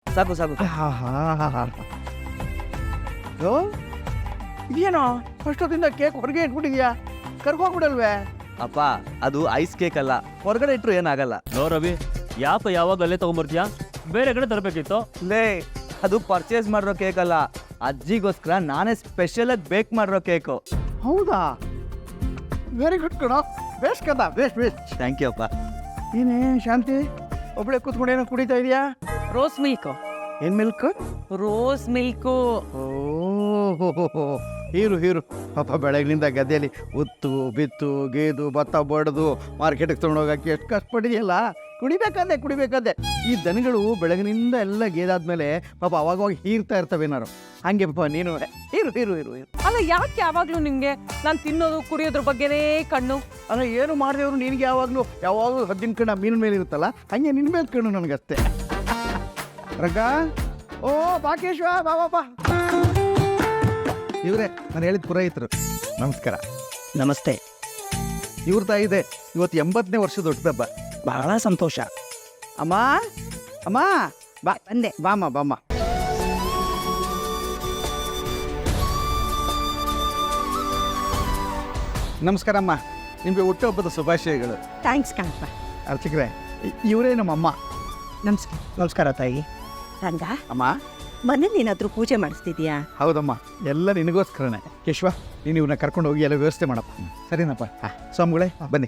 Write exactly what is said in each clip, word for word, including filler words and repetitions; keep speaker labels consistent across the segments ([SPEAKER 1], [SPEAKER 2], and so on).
[SPEAKER 1] ಸಾಕು ಸಾಕು
[SPEAKER 2] ಇದೇನೋ ಅಷ್ಟೊತ್ತಿಂದ ಕೇಕ್ ಹೊರಗೆ ಇಟ್ಬಿಟ್ಟಿದ್ಯಾ, ಕರ್ಕೋಗ್ಬಿಡಲ್ವೇ?
[SPEAKER 1] ಅಪ್ಪ ಅದು ಐಸ್ ಕೇಕ್ ಅಲ್ಲ, ಹೊರಗಡೆ ಇಟ್ರು ಏನಾಗಲ್ಲ.
[SPEAKER 3] ನೋ ರವಿ, ಯಾಪ ಯಾವಾಗ ಅಲ್ಲೇ ತಗೊಂಬರ್ತೀಯಾ? ಬೇರೆ ಕಡೆ ತರಬೇಕಿತ್ತು.
[SPEAKER 1] ಲೇ, ಅದು ಪರ್ಚೇಸ್ ಮಾಡಿರೋ ಕೇಕ್ ಅಲ್ಲ, ಅಜ್ಜಿಗೋಸ್ಕರ ನಾನೇ ಸ್ಪೆಷಲ್ ಆಗಿ ಬೇಕ್ ಮಾಡಿರೋ ಕೇಕು.
[SPEAKER 2] ಹೌದಾ? ವೆರಿ ಗುಡ್ ಕಣ, ಬೇಸ್ ಕದ, ಬೇಸ್ ಬೇಸ್.
[SPEAKER 1] ಥ್ಯಾಂಕ್ ಯು ಅಪ್ಪ.
[SPEAKER 2] ಏನೇ ಶಾಂತಿ, ಒಬ್ಬಳೆ ಕೂತ್ಕೊಂಡು ಏನೋ ಕುಡಿತಾ ಇದೆಯಾ?
[SPEAKER 4] Rose milk.
[SPEAKER 2] ಏನ್ ಮಿಲ್ಕ್?
[SPEAKER 4] Rose milk.
[SPEAKER 2] ಓಹೋ, ಹೀರು ಹೀರು. ಪಾಪ ಬೆಳಗ್ಗಿನಿಂದ ಗದ್ದೆಯಲ್ಲಿ ಉತ್ತು ಬಿತ್ತು ಗೇದು ಭತ್ತ ಬಡ್ದು ಮಾರ್ಕೆಟಿಗೆ ತೊಗೊಂಡೋಗಕ್ಕೆ ಎಷ್ಟು ಕಷ್ಟಪಟ್ಟಿದೆಯಲ್ಲ. ಕುಡಿಬೇಕಾದೆ ಕುಡಿಬೇಕಾದೆ. ಈ ದನಗಳು ಬೆಳಗಿನಿಂದ ಎಲ್ಲ ಗೇದಾದ್ಮೇಲೆ ಪಾಪ ಅವಾಗವಾಗ ಹೀರ್ತಾ ಇರ್ತವೇನಾರು. ಹಂಗೆ ಪಾಪ ನೀನು ಹೀರು ಹೀರು ಹೀರು ಹೀರು.
[SPEAKER 4] ಅಲ್ಲ, ಯಾಕೆ ಯಾವಾಗ್ಲೂ ನಿಮ್ಗೆ ನಾನು ತಿನ್ನೋದು ಕುಡಿಯೋದ್ರ ಬಗ್ಗೆನೇ ಕಣ್ಣು?
[SPEAKER 2] ಅಲ್ಲ, ಏನು ಮಾಡಿದೆವ್ರು ನಿನಗೆ ಯಾವಾಗಲೂ ಯಾವಾಗಲೂ ಹದ್ದಿನ ಕಣ್ಣ ಮೀನಿನ ಮೇಲೆ ಇರುತ್ತಲ್ಲ, ಹಂಗೆ ನಿನ್ನ ಮೇಲೆ ಕಣ್ಣು ನನಗಷ್ಟೇ. ರಂಗ, ಓ ಬಾಕೇಶ್ವ, ಬಾ ಬಾ ಬಾ. ಇವರೇ ನಾನು ಹೇಳಿದ ಪುರೋಹಿತರು. ನಮಸ್ಕಾರ.
[SPEAKER 1] ನಮಸ್ತೆ.
[SPEAKER 2] ಇವ್ರ ತಾಯಿ ಇದೆ, ಇವತ್ತು ಎಂಬತ್ತನೇ ವರ್ಷದ ಹುಟ್ಟುಹಬ್ಬ.
[SPEAKER 1] ಬಹಳ ಸಂತೋಷ.
[SPEAKER 2] ಅಮ್ಮ ಅಮ್ಮ ಬಾ
[SPEAKER 5] ಬಂದೆ.
[SPEAKER 2] ಬಾಮ್ಮ ಬಾಮ್ಮ. ನಮಸ್ಕಾರ ಅಮ್ಮ, ನಿಮಗೆ ಹುಟ್ಟುಹಬ್ಬದ ಶುಭಾಶಯಗಳು.
[SPEAKER 5] ಥ್ಯಾಂಕ್ಸ್ ಕಣಪ್ಪ.
[SPEAKER 2] ಅರ್ಚಕ್ರೆ, ಇವರೇ ನಮ್ಮಮ್ಮ.
[SPEAKER 5] ನಮಸ್ಕಾರ.
[SPEAKER 2] ನಮಸ್ಕಾರ ತಾಯಿ.
[SPEAKER 5] ರಂಗ,
[SPEAKER 2] ಅಮ್ಮ.
[SPEAKER 5] ಮನೇಲಿ ಏನಾದರೂ ಪೂಜೆ ಮಾಡಿಸ್ತಿದ್ಯಾ?
[SPEAKER 2] ಹೌದಮ್ಮ, ಎಲ್ಲ ನಿನಗೋಸ್ಕರನೇ. ಕೇಶವ, ನೀನು ಇವ್ರನ್ನ ಕರ್ಕೊಂಡು ಹೋಗಿ ಎಲ್ಲ ವ್ಯವಸ್ಥೆ ಮಾಡಪ್ಪ. ಸರಿನಪ್ಪ? ಸ್ವಾಮಿಗಳೇ ಬನ್ನಿ.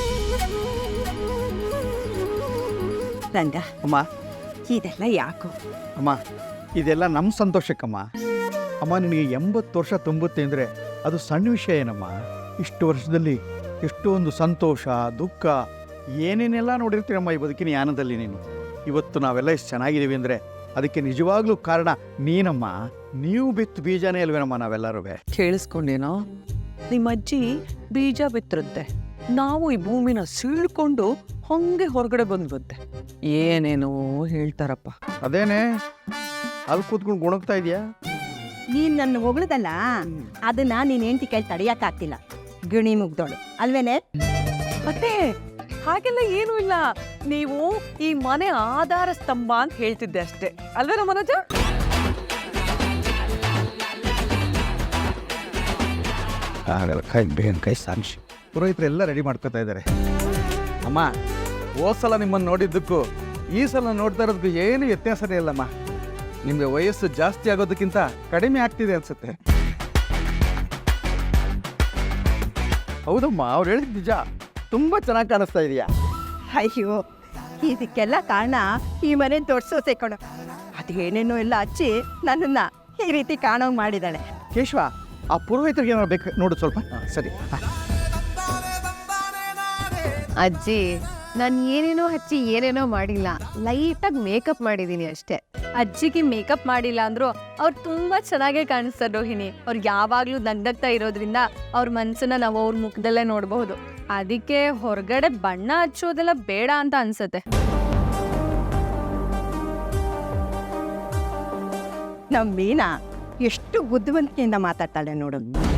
[SPEAKER 5] ರಂಗ,
[SPEAKER 2] ಅಮ್ಮ.
[SPEAKER 5] ಇದೆಲ್ಲ ಯಾಕೋ?
[SPEAKER 2] ಅಮ್ಮ, ಇದೆಲ್ಲ ನಮ್ಮ ಸಂತೋಷಕ್ಕಮ್ಮ. ಅಮ್ಮ, ನಿನಗೆ ಎಂಬತ್ತು ವರ್ಷ ತುಂಬುತ್ತೆ ಅಂದರೆ ಅದು ಸಣ್ಣ ವಿಷಯ ಏನಮ್ಮ. ಇಷ್ಟು ವರ್ಷದಲ್ಲಿ ಎಷ್ಟೊಂದು ಸಂತೋಷ ದುಃಖ ಏನೇನೆಲ್ಲ ನೋಡಿರ್ತೀರಮ್ಮ ಈ ಬದುಕಿನ ಯಾನದಲ್ಲಿ. ನೀನು ಇವತ್ತು ನಾವೆಲ್ಲ ಇಷ್ಟು ಚೆನ್ನಾಗಿದ್ದೀವಿ ಅಂದರೆ ಅದಕ್ಕೆ ನಿಜವಾಗ್ಲೂ ಕಾರಣ ನೀನಮ್ಮ. ನೀವು ಬಿತ್ತು ಬೀಜನೇ ಅಲ್ವೇನಮ್ಮ ನಾವೆಲ್ಲರೂ.
[SPEAKER 4] ಕೇಳಿಸ್ಕೊಂಡೇನೋ? ನಿಮ್ಮ ಅಜ್ಜಿ ಬೀಜ ಬಿತ್ತಿರುತ್ತೆ, ನಾವು ಈ ಭೂಮಿನ ಸೀಳ್ಕೊಂಡು ಹಂಗೆ ಹೊರಗಡೆ ಬಂದ್ಬಿಡುತ್ತೆ. ಏನೇನೋ ಹೇಳ್ತಾರಪ್ಪ.
[SPEAKER 2] ಅದೇನೇ ಅಲ್ಲಿ ಕೂತ್ಕೊಂಡು ಗುಣಗ್ತಾ ಇದೆಯಾ?
[SPEAKER 5] ನೀನು ನನ್ನ ಹೊಗಳದಲ್ಲ, ಅದನ್ನ ನೀನು ಹೆಂಡತಿ ಕೈ ತಡೆಯೋಕ್ಕಾಗ್ತಿಲ್ಲ. ಗಿಣಿ ಮುಗ್ದೋಳು ಅಲ್ವೇನೆ?
[SPEAKER 4] ಮತ್ತೆ ಹಾಗೆಲ್ಲ ಏನೂ ಇಲ್ಲ, ನೀವು ಈ ಮನೆ ಆಧಾರ ಸ್ತಂಭ ಅಂತ ಹೇಳ್ತಿದ್ದೆ ಅಷ್ಟೇ ಅಲ್ವೇನೋ ಮನೋಜ?
[SPEAKER 2] ಆಗಲ್ಲ, ಕೈ ಬೇನ್ ಕೈ ಸಾಕ್ಷಿ. ಪುರೋಹಿತರು ಎಲ್ಲ ರೆಡಿ ಮಾಡ್ಕೋತಾ ಇದ್ದಾರೆ. ಅಮ್ಮ, ಹೋದ ಸಲ ನಿಮ್ಮನ್ನು ನೋಡಿದ್ದಕ್ಕೂ ಈ ಸಲ ನೋಡ್ತಾ ಇರೋದಕ್ಕೂ ಏನು ವ್ಯತ್ಯಾಸನೇ ಇಲ್ಲಮ್ಮ. ನಿಮಗೆ ವಯಸ್ಸು ಜಾಸ್ತಿ ಆಗೋದಕ್ಕಿಂತ ಕಡಿಮೆ ಆಗ್ತಿದೆ ಅನ್ಸುತ್ತೆ. ಹೌದಮ್ಮ, ಅವ್ರು ಹೇಳಿದ ನಿಜ. ತುಂಬ ಚೆನ್ನಾಗಿ ಕಾಣಿಸ್ತಾ ಇದೆಯಾ?
[SPEAKER 5] ಅಯ್ಯೋ, ಇದಕ್ಕೆಲ್ಲ ಕಾರಣ ಈ ಮನೆ ದೊಡ್ಡ ಸೊಸೆ ಕಣೋ. ಅದೇನೇನೋ ಎಲ್ಲ ಹಚ್ಚಿ ನನ್ನನ್ನ ಈ ರೀತಿ ಕಾಣೋಂಗ್ ಮಾಡಿದಾಳೆ.
[SPEAKER 2] ಕೇಶವ, ಆ ಪುರೋಹಿತರಿಗೆ ಏನಾರು ಬೇಕು ನೋಡು ಸ್ವಲ್ಪ. ಸರಿ.
[SPEAKER 6] ಅಜ್ಜಿ, ನಾನು ಏನೇನೋ ಹಚ್ಚಿ ಏನೇನೋ ಮಾಡಿಲ್ಲ, ಲೈಟಾಗಿ ಮೇಕಪ್ ಮಾಡಿದ್ದೀನಿ ಅಷ್ಟೇ. ಅಜ್ಜಿಗೆ ಮೇಕಪ್ ಮಾಡಿಲ್ಲ ಅಂದ್ರು ಅವ್ರು ತುಂಬಾ ಚೆನ್ನಾಗೇ ಕಾಣಿಸ್ತಾರೆ ರೋಹಿಣಿ. ಅವ್ರು ಯಾವಾಗ್ಲೂ ನಗ್ನಗ್ತಾ ಇರೋದ್ರಿಂದ ಅವ್ರ ಮನ್ಸನ್ನ ನಾವು ಅವ್ರ ಮುಖದಲ್ಲೇ ನೋಡ್ಬಹುದು. ಅದಕ್ಕೆ ಹೊರಗಡೆ ಬಣ್ಣ ಹಚ್ಚೋದೆಲ್ಲ ಬೇಡ ಅಂತ ಅನ್ಸತ್ತೆ.
[SPEAKER 5] ನಮ್ಮ ಮೀನಾ ಎಷ್ಟು ಬುದ್ಧಿವಂತಿಕೆಯಿಂದ ಮಾತಾಡ್ತಾಳೆ ನೋಡು.